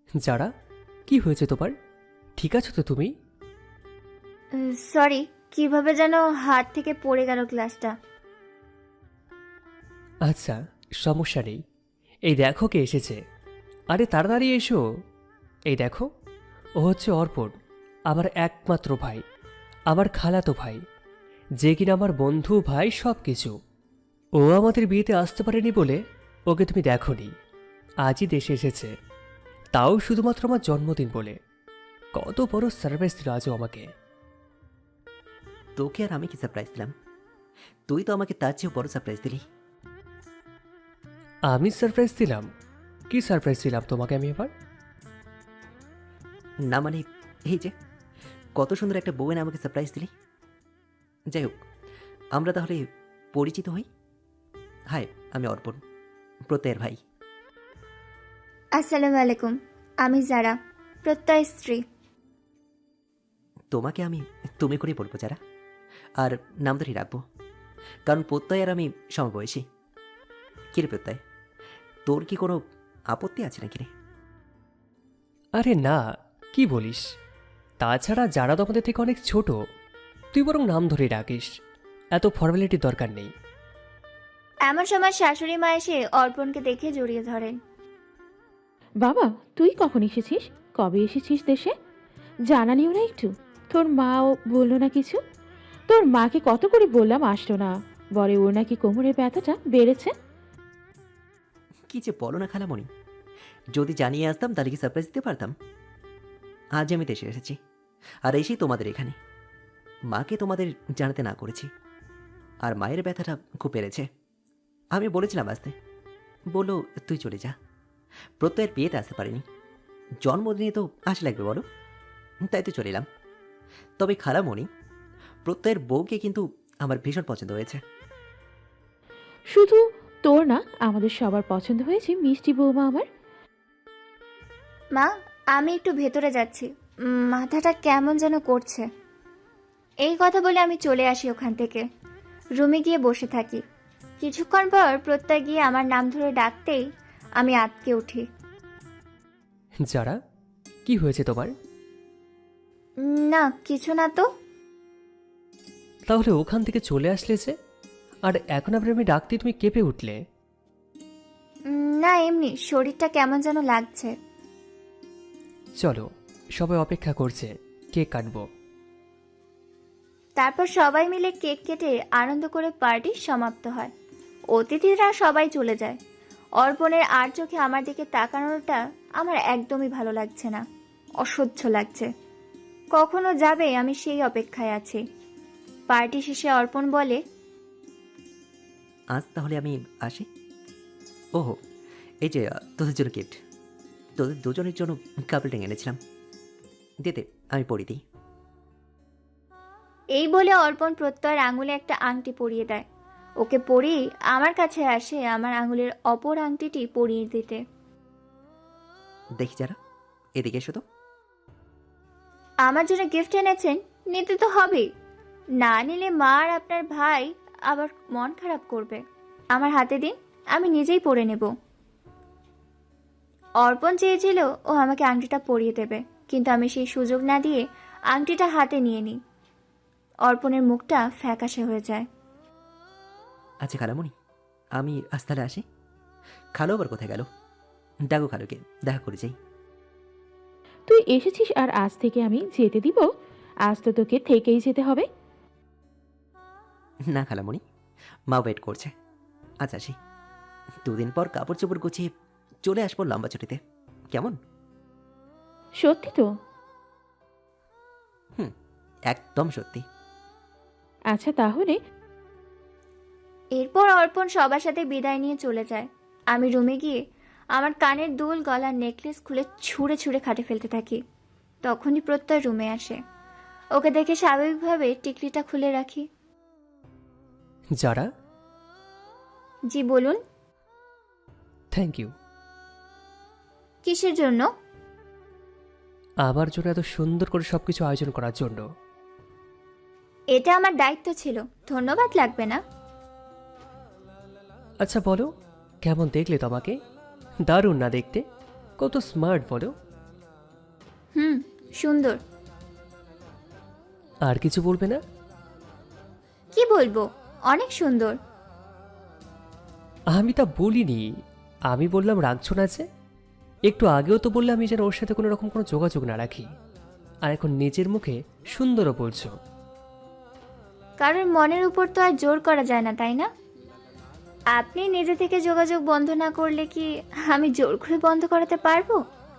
যারা, কি হয়েছে তোমার? ঠিক আছো তো তুমি? সরি, কিভাবে যেন হাত থেকে পড়ে গেল গ্লাসটা। আচ্ছা, সমস্যা নেই। এই দেখো কে এসেছে। আরে তাড়াতাড়ি এসো। এই দেখো, ও হচ্ছে অর্পণ, আমার একমাত্র ভাই, আমার খালাতো ভাই, যে কিনা আমার বন্ধু, ভাই, সব কিছু। ও আমাদের বিয়েতে আসতে পারেনি বলে ওকে তুমি দেখোনি। আজই দেশে এসেছে, তাও শুধুমাত্র আমার জন্মদিন বলে। কত বড় সারপ্রাইজ দিল আজও আমাকে। তোকে আর আমি কি সারপ্রাইজ দিলাম? তুই তো আমাকে তার চেয়েও বড় সারপ্রাইজ দিলি। আমি সারপ্রাইজ দিলাম? কি সারপ্রাইজ দিলাম তোমাকে আমি এবার? না মানে, এই যে কত সুন্দর একটা বউ এনে আমাকে সারপ্রাইজ দিলি। যাই হোক, আমরা তাহলে পরিচিত হই। হাই, আমি অর্পণ, প্রত্যয়ের ভাই। আসসালামু আলাইকুম, আমি যারা, প্রত্যয় স্ত্রী। তোমাকে আমি তুমি করেই বলবো যারা, আর নাম ধরেই রাখবো, কারণ প্রত্যয় আর আমি সমবয়সী। কিরে প্রত্যয়, তোর কি কোনো আপত্তি আছে নাকি রে? আরে না, কি বলিস? তাছাড়া যারা তো আমাদের থেকে অনেক ছোট, তুই বরং নাম ধরে ডাকিস, এত ফর্মালিটির দরকার নেই। এমন সময় শাশুড়ি মা এসে অর্পণকে দেখে জড়িয়ে ধরেন। বাবা, তুই কখন এসেছিস? কবে এসেছিস দেশে? জানালিও না একটু? তোর মাও বললো না কিছু? তোর মাকে কত করে বললাম আসলো না, বলে ওর নাকি কোমরের ব্যথাটা বেড়েছে। কি যে বলো না খালামণি, যদি জানিয়ে আসতাম তাহলে কি সারপ্রাইজ দিতে পারতাম? আজ আমি দেশে এসেছি, আর এসেই তোমাদের এখানে। মাকে তোমাদের জানাতে না করেছি, আর মায়ের ব্যথাটা খুব বেড়েছে। আমি বলেছিলাম আসতে, বললো তুই চলে যা। প্রত্যয়ের বিয়েতে আসতে পারিনি, জন্মদিনে তো আসা লাগবে বলো, তাই তো চলে এলাম। তবে খালামণি, প্রত্যয়ের বউকে কিন্তু আমার ভীষণ পছন্দ হয়েছে। শুধু তোর না, আমাদের সবার পছন্দ হয়েছে মিষ্টি বৌমা আমার। মা, আমি একটু ভেতরে যাচ্ছি, মাথাটা কেমন যেন করছে। এই কথা বলে আমি চলে আসি ওখান থেকে, রুমে গিয়ে বসে থাকি। কিছুক্ষণ পর প্রত্যয় গিয়ে আমার নাম ধরে ডাকতেই আমি আঁতকে উঠি। যারা, কি হয়েছে তোমার? না, কিছু না তো। তাহলে ওখান থেকে চলে আসলে যে, আর এখন আবার আমি ডাকতে তুমি কেঁপে উঠলে? না, এমনি শরীরটা কেমন যেন লাগছে। চলো, সবাই অপেক্ষা করছে, কেক কাটবো। তারপর সবাই মিলে কেক কেটে আনন্দ করে পার্টি সমাপ্ত হয়। অতিথিরা সবাই চলে যায়। অর্পণের আর চোখে আমার দিকে তাকানোটা আমার একদমই ভালো লাগছে না, অসহ্য লাগছে। কখনো যাবে আমি সেই অপেক্ষায় আছি। পার্টি শেষে অর্পণ বলে, আজ তাহলে আমি আসি। ওহো, এই যে তোদের জন্য গিফট, তোদের দুজনের জন্য কাপড় টেঙে এনেছিলাম, দিতে আমি পরি দিই। এই বলে অর্পণ প্রত্যয়ের আঙুলে একটা আংটি পরিয়ে দেয়। ওকে পরিয়ে আমার কাছে আসে আমার আঙুলের অপর আংটিটি পরিয়ে দিতে। দেখি যারা, এদিকে এসো তো। আমার জন্য গিফট এনেছেন, নিতে তো হবেই। না নিলে মা আর আপনার ভাই আবার মন খারাপ করবে। আমার হাতে দিন, আমি নিজেই পরে নেব। অর্পণ চেয়েছিল ও আমাকে আংটিটা পরিয়ে দেবে, কিন্তু আমি সেই সুযোগ না দিয়ে আংটিটা হাতে নিয়ে নিই। অর্পণের মুখটা ফ্যাকাশে হয়ে যায়। আচ্ছা খালামণি, আমি আজ তাহলে আসি। খালো আবার কোথায় গেল? ডাকো খালোকে, দেখা করে যাই। তুই এসেছিস আর আজ থেকে আমি যেতে দিব? আজ তো তোকে থেকেই যেতে হবে। না খালামণি, মা ওয়েট করছে। আজ আসি, দুদিন পর কাপড় চোপড় গুছিয়ে চলে আসবো লম্বা ছুটিতে, কেমন? সত্যি তো? হুম, একদম সত্যি। আচ্ছা তাহলে। এরপর অর্পণ সবার সাথে বিদায় নিয়ে চলে যায়। আমি রুমে গিয়ে আমার কানের দুল, গলার নেকলেস খুলে ছুঁড়ে ছুঁড়ে খাটে ফেলতে থাকি। তখনই প্রত্যয় রুমে আসে। ওকে দেখে স্বাভাবিকভাবে টিকলিটা খুলে রাখি। যারা, জি বলুন। Thank you. কিসের জন্য? আমার জন্য এত সুন্দর করে সবকিছু আয়োজন করার জন্য। এটা আমার দায়িত্ব ছিল, ধন্যবাদ লাগবে না। আচ্ছা বলো, কেমন দেখলে তোমাকে? দারুণ না দেখতে? কত স্মার্ট বলো। হুম, সুন্দর। আর কিছু বলবে না? কি বলবো, অনেক সুন্দর। আমি তা বলিনি। আমি বললাম রাখছো না যে। একটু আগেও তো বললে আমি যেন ওর সাথে কোনো রকম কোনো যোগাযোগ না রাখি। আর এখন নিজের মুখে সুন্দরও বলছো। কারণ মনের উপর তো আর জোর করা যায় না, তাই না? আপনি নিজে থেকে যোগাযোগ বন্ধ না করলে কি আমি জোর করে বন্ধ করাতে পারবো?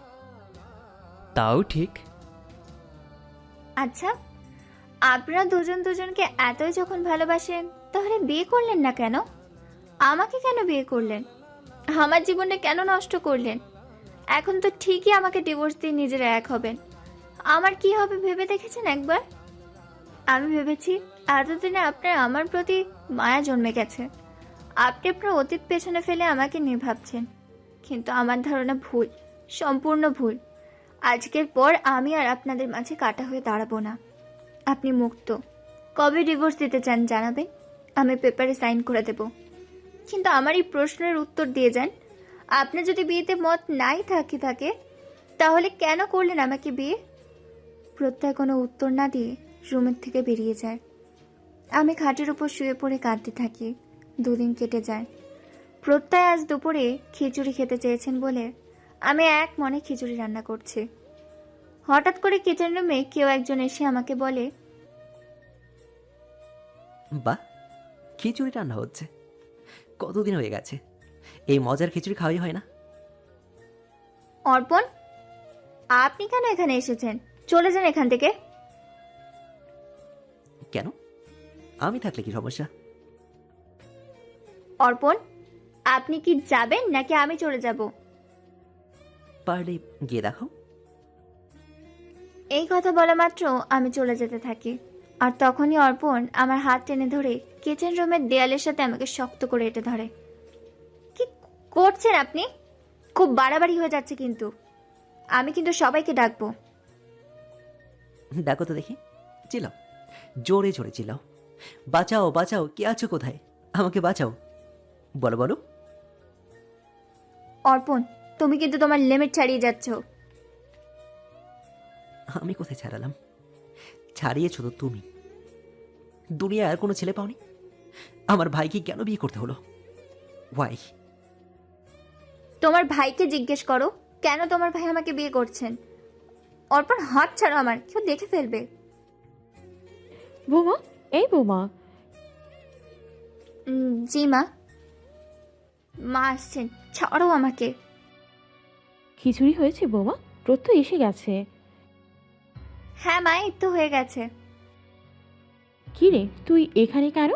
তাও ঠিক। আচ্ছা, আপনারা দুজন দুজনকে এতই যখন ভালোবাসেন, তাহলে বিয়ে করলেন না কেন? আমাকে কেন বিয়ে করলেন? আমার জীবনটা কেন নষ্ট করলেন? এখন তো ঠিকই আমাকে ডিভোর্স দিয়ে নিজেরা এক হবেন। আমার কি হবে ভেবে দেখেছেন একবার? আমি ভেবেছি এতদিনে আপনার আমার প্রতি মায়া জন্মে গেছে। আপনি আপনার অতীত পেছনে ফেলে আমাকে নিয়ে ভাবছেন, কিন্তু আমার ধারণা ভুল, সম্পূর্ণ ভুল। আজকের পর আমি আর আপনাদের মাঝে কাটা হয়ে দাঁড়াবো না। আপনি মুক্ত। কবে ডিভোর্স দিতে চান জানাবেন, আমি পেপারে সাইন করে দেব। কিন্তু আমার এই প্রশ্নের উত্তর দিয়ে যান, আপনি যদি বিয়েতে মত নাই থাকে তাহলে কেন করলেন আমাকে বিয়ে? প্রত্যয় কোনো উত্তর না দিয়ে রুমের থেকে বেরিয়ে যায়। আমি খাটের উপর শুয়ে পড়ে কাঁদতে থাকি। 2 দিন কেটে যায়। প্রত্যয় আজ দুপুরে খিচুড়ি খেতে চেয়েছেন বলে আমি এক মনে খিচুড়ি রান্না করছি। হঠাৎ করে কিচেন রুমে কেউ একজন এসে আমাকে বলে, বাহ, খিচুড়ি রান্না হচ্ছে। কতদিন হয়ে গেছে এই মজার খিচুড়ি খাওয়াই হয় না। অর্পণ, আপনি কেন এখানে এসেছেন? চলে যান এখান থেকে। কেন? আমি থাকলে কি সমস্যা? অর্পণ, আপনি কি যাবেন নাকি আমি চলে যাব? পারলে গিয়ে দেখো। এই কথা বলা মাত্র আমি চলে যেতে থাকি। আর তখনই অর্পণ আমার হাত টেনে ধরে কিচেন রুমের দেয়ালের সাথে আমাকে শক্ত করে এঁটে ধরে। কি করছেন আপনি? খুব বাড়াবাড়ি হয়ে যাচ্ছে কিন্তু। আমি কিন্তু সবাইকে ডাকবো। দেখো তো দেখি, চিল্লাও, জোরে জোরে চিল্লাও, বাঁচাও বাঁচাও, কে আছো কোথায়, আমাকে বাঁচাও, বলো বলো। অর্পণ, তুমি কিন্তু তোমার লিমিট ছাড়িয়ে যাচ্ছ। আমি কোথায় ছাড়ালাম? ছাড়িয়েছো তো তুমি। দুনিয়ায় আর কোনো ছেলে পাওনি? আমার ভাইকে কেন বিয়ে করতে হলো? ওয়াই? তোমার ভাইকে জিজ্ঞেস করো কেন তোমার ভাই আমাকে বিয়ে করছেন। অর্পণ, হাত ছাড়ো আমার, কেউ দেখে ফেলবে। বৌমা, এই বৌমা, জি মা। মা আসছেন, ছাড়ো আমাকে। খিচুড়ি হয়েছে বৌমা? প্রত্যয় এসে গেছে। হ্যাঁ মা, এই তো হয়ে গেছে। কি রে, তুই এখানে কেন?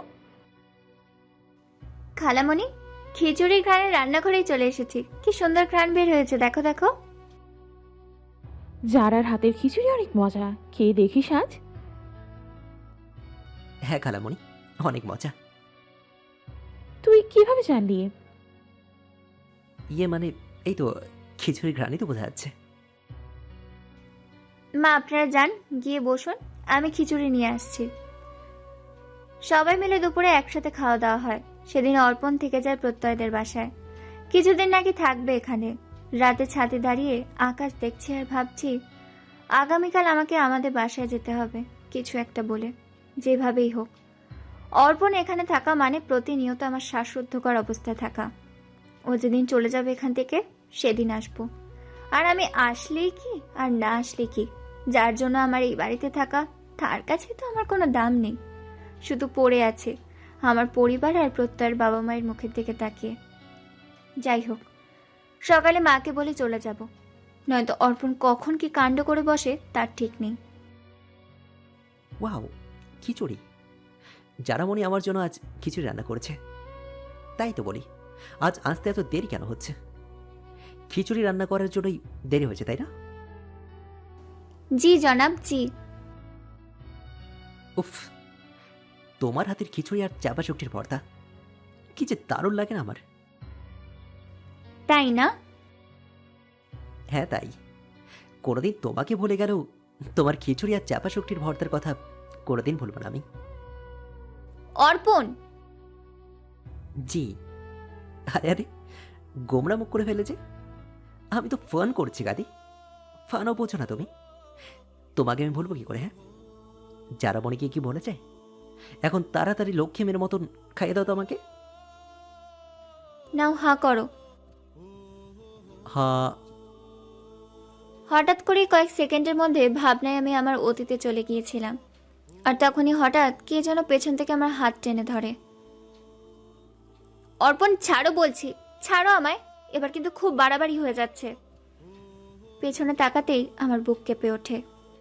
খালামণি, খিচুড়ির ঘ্রাণে রান্নাঘরেই চলে এসেছি। কি সুন্দর ঘ্রাণ বের হয়েছে, দেখো দেখো। জারার হাতের খিচুড়ি অনেক মজা, খেয়ে দেখিস আজ। হ্যাঁ খালামণি, অনেক মজা। তুই কিভাবে জানলি? ইয়ে মানে, এই তো খিচুড়ির ঘ্রাণই তো বোঝা যাচ্ছে। মা আপনারা যান, গিয়ে বসুন, আমি খিচুড়ি নিয়ে আসছি। সবাই মিলে দুপুরে একসাথে খাওয়া দাওয়া হয়। সেদিন অর্পণ থেকে যায় প্রত্যয়দের বাসায়। কিছুদিন নাকি থাকবে এখানে। রাতে ছাদে দাঁড়িয়ে আকাশ দেখছি আর ভাবছি, আগামীকাল আমাকে আমাদের বাসায় যেতে হবে কিছু একটা বলে, যেভাবেই হোক। অর্পণ এখানে থাকা মানে প্রতিনিয়ত আমার শ্বাসরুদ্ধকর অবস্থায় থাকা। ও যেদিন চলে যাবে এখান থেকে সেদিন আসবো। আর আমি আসলেই কি আর না আসলে কি, যার জন্য আমার এই বাড়িতে থাকা, তার কাছে তো আমার কোনো দাম নেই। শুধু পড়ে আছে আমার পরিবার আর প্রত্যয়ের বাবা মায়ের মুখের দিকে তাকিয়ে। যাই হোক, সকালে মাকে বলে চলে যাব, নয়তো অর্পণ কখন কি কাণ্ড করে বসে তার ঠিক নেই। ওয়াও, খিচুড়ি! যারা মনে আমার জন্য আজ খিচুড়ি রান্না করেছে। তাই তো বলি, আজ আসতে এত দেরি কেন হচ্ছে? খিচুড়ি রান্না করার জন্যই দেরি হয়েছে, তাই না? জি জনাব, জি। উফ, তোমার হাতের খিচুড়ি আর চাপা শুকটির ভর্তা কি যে দারুণ লাগে না আমার। তাই না? হ্যাঁ তাই। কোনোদিন তোমাকে ভুলে গেলেও তোমার খিচুড়ি আর চাপা শুকটির ভর্তার কথা কোনোদিন ভুলব না আমি। অর্পণ! জি। আরে আরে, গোমরা মুখ করে ফেলেছে। আমি তো ফোন করছি গাদি, ফানও বোঝো না তুমি। তোমাকে আমি বলবো কি করে? হ্যাঁ, যারা মনিকে কি বলেছে, এখন তাড়াতাড়ি লক্ষ্মী মেয়ের মতন খাইয়ে দাও তো আমাকে। নাও হাঁ করো। হ্যাঁ। হঠাৎ করে কয়েক সেকেন্ডের মধ্যে ভাবনায় আমি আমার অতীতে চলে গিয়েছিলাম। আর তখনই হঠাৎ কে যেন পেছন থেকে আমার হাত টেনে ধরে। অর্পণ ছাড়ো বলছি, ছাড়ো আমায়, এবার কিন্তু খুব বাড়াবাড়ি হয়ে যাচ্ছে। পেছনে তাকাতেই আমার বুক কেঁপে ওঠে।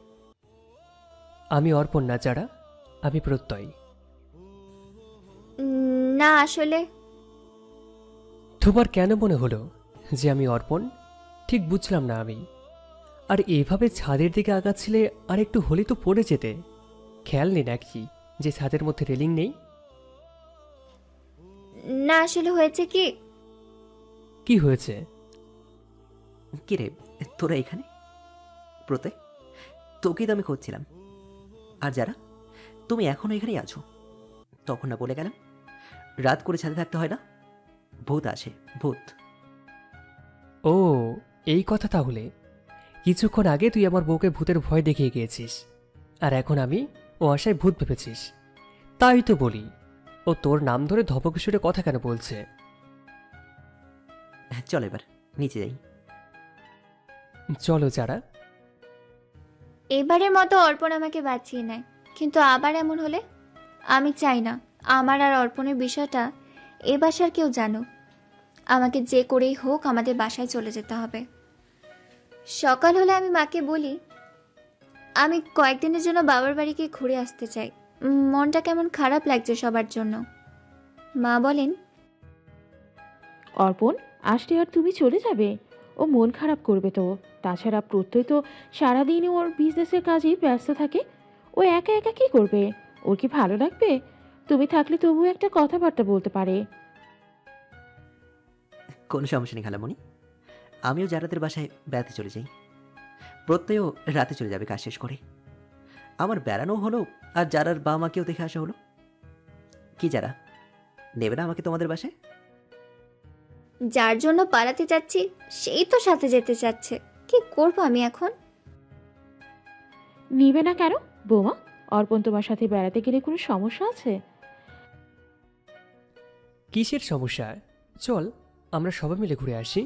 আমি অর্পণ না যারা, আমি প্রত্যয়। না আসলে তোমার কেন মনে হলো যে আমি অর্পণ? ঠিক বুঝলাম না আমি। আর এভাবে ছাদের দিকে আগাচ্ছিলে, আর একটু হলে তো পড়ে যেতে। খেয়াল নেই নাকি যে ছাদের মধ্যে রেলিং নেই? না আসলে হয়েছে কি, কি হয়েছে? কি রে, তোরা এখানে? প্রত্যয়, তোকেই তো আমি খুঁজছিলাম। আর যারা, তুমি এখনো এখানেই আছো। তখন না বলে গেলাম রাত করে ছাদে থাকতে হয় না, ভূত আসে, ভূত। ও, এই কথা তাহলে। কিছুক্ষণ আগে তুই আমার বউকে ভূতের ভয় দেখিয়ে গিয়েছিস, আর এখন আমি ও আশায় ভূত ভেবেছিস। তাই তো বলি, ও তোর নাম ধরে ধপকিশোরে কথা কেন বলছে? চল এবার নিচে যাই। চলো যারা। এবারের মতো অর্পণ আমাকে বাঁচিয়ে নেয়, কিন্তু আবার এমন হলে? আমি চাই না আমার আর অর্পণের বিষয়টা এ বাসার কেউ জানুক। আমাকে যে করেই হোক আমাদের বাসায় চলে যেতে হবে। সকাল হলে আমি মাকে বলি আমি কয়েকদিনের জন্য বাবার বাড়িকে ঘুরে আসতে চাই। মনটা কেমন খারাপ লাগছে সবার জন্য। মা বলেন, অর্পণ আসলে আর তুমি চলে যাবে? ও মন খারাপ করবে তো। তাছাড়া প্রত্যয় তো সারাদিন ওর বিজনেসের কাজেই ব্যস্ত থাকে। ও একা একা কী করবে? ওর কি ভালো লাগবে? তুমি থাকলে তবু একটা কথাবার্তা বলতে পারে। কোনো সমস্যা নেই খালামণি, আমিও যারাদের বাসায় বেড়াতে চলে যাই। প্রত্যয়ও রাতে চলে যাবে কাজ শেষ করে। আমার বেড়ানো হলো, আর যারার বাবা মাকেও দেখে আসা হলো। কি যারা, নেবে না আমাকে তোমাদের বাসায়? যার জন্য পালাতে যাচ্ছি সেই তো সাথে যেতে চাচ্ছে, কি করব আমি এখন? নিবে না কেন বৌমা? অর্পণ তোমার সাথে বেড়াতে গেলে কোনো সমস্যা আছে? কিসের সমস্যা? চল আমরা সবাই মিলে ঘুরে আসি।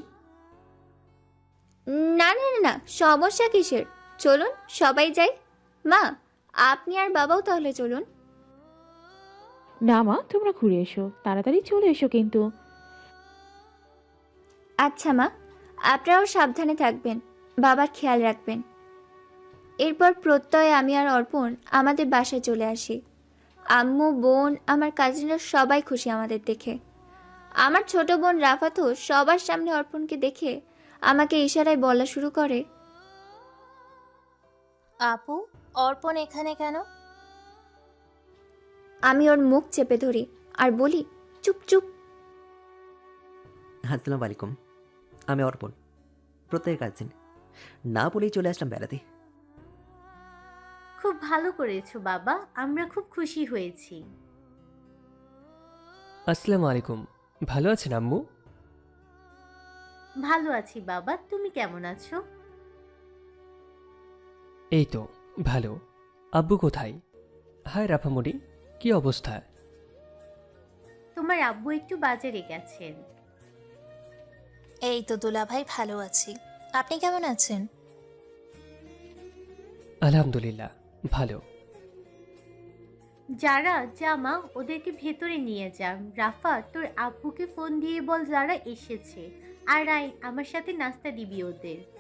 না না না না, সমস্যা কিসের? চলুন সবাই যাই। মা, আপনি আর বাবাও তাহলে চলুন। না মা, তোমরা ঘুরে এসো, তাড়াতাড়ি চলে এসো কিন্তু। আচ্ছা মা, আপনারাও সাবধানে থাকবেন, বাবার খেয়াল রাখবেন। এরপর প্রত্যয়, আমি আর অর্পণ আমাদের বাসায় চলে আসি। আম্মু, বোন, আমার কাজিনরা সবাই খুশি আমাদের দেখে। আমার ছোট বোন রাফাতও সবার সামনে অর্পণকে দেখে আমাকে ইশারায় বলা শুরু করে, আপু, অর্পণ এখানে কেন? আমি ওর মুখ চেপে ধরি আর বলি, চুপ চুপ। আসসালামু আলাইকুম, আমি অর্পণ, প্রত্যয়ের কাজিন। না বলেই চলে আসলাম বেড়াতে। খুব ভালো করেছো বাবা, আমরা খুব খুশি হয়েছি। আসসালামু আলাইকুম। ভালো আছেন আম্মু? ভালো আছি বাবা, তুমি কেমন আছো? এই তো ভালো। আব্বু কোথায়? হায় রাফামণি, কি অবস্থা? তোমার আব্বু একটু বাজারে গেছেন। এই তো দুলাভাই, ভালো আছি। আপনি কেমন আছেন? আলহামদুলিল্লাহ ভালো। যারা, জামা ওদেরকে ভেতরে নিয়ে যান। রাফা, তোর আব্বুকে ফোন দিয়ে বল যারা এসেছে। আর আয়, আমার সাথে নাস্তা দিবি ওদের।